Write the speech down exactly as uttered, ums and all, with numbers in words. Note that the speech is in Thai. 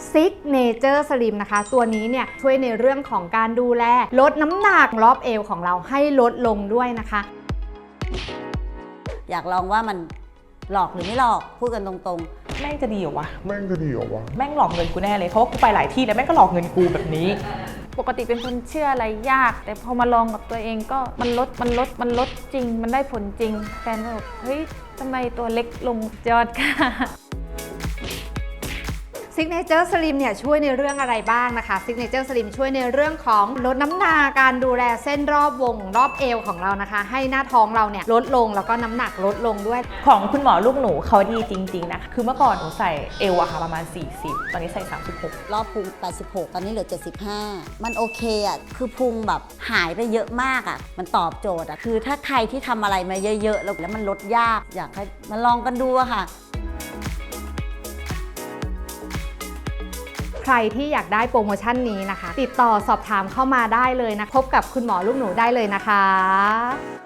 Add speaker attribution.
Speaker 1: Signature Slim นะคะตัวนี้เนี่ยช่วยในเรื่องของการดูแลลดน้ำหนักรอบเอวของเราให้ลดลงด้วยนะคะ
Speaker 2: อยากลองว่ามันหลอกหรือไม่หลอกพูดกันตรง
Speaker 3: ๆแม่งจะดีเหรอวะ
Speaker 4: แม่งจะดีเหรอวะ
Speaker 3: แม่งหลอกเงินกูแน่เลยเพราะว่ากูไปหลายที่แล้วแม่งก็หลอกเงินกูแบบนี้
Speaker 5: ปกติเป็นคนเชื่ออะไรยากแต่พอมาลองกับตัวเองก็มันลดมันลดมันลดจริงมันได้ผลจริงแฟนก็บอกเฮ้ยทำไมตัวเล็กลงยอดค่ะ
Speaker 1: Signature Slim เนี่ยช่วยในเรื่องอะไรบ้างนะคะ Signature Slim ช่วยในเรื่องของลดน้ำหนักการดูแลเส้นรอบวงรอบเอวของเรานะคะให้หน้าท้องเราเนี่ยลดลงแล้วก็น้ำหนักลดลงด้วย
Speaker 3: ของคุณหมอลูกหนูเขาดีจริงๆนะคะคือเมื่อก่อนหนูใส่เอวอะค่ะประมาณสี่สิบตอนนี้ใส่สามสิบหก
Speaker 2: รอบพุงแปดสิบหกตอนนี้เหลือเจ็ดสิบห้ามันโอเคอะคือพุงแบบหายไปเยอะมากอะมันตอบโจทย์อะคือถ้าใครที่ทำอะไรมาเยอะๆแล้วมันลดยากอยากให้มาลองกันดูอะค่ะ
Speaker 1: ใครที่อยากได้โปรโมชั่นนี้นะคะติดต่อสอบถามเข้ามาได้เลยนะพบกับคุณหมอลูกหนูได้เลยนะคะ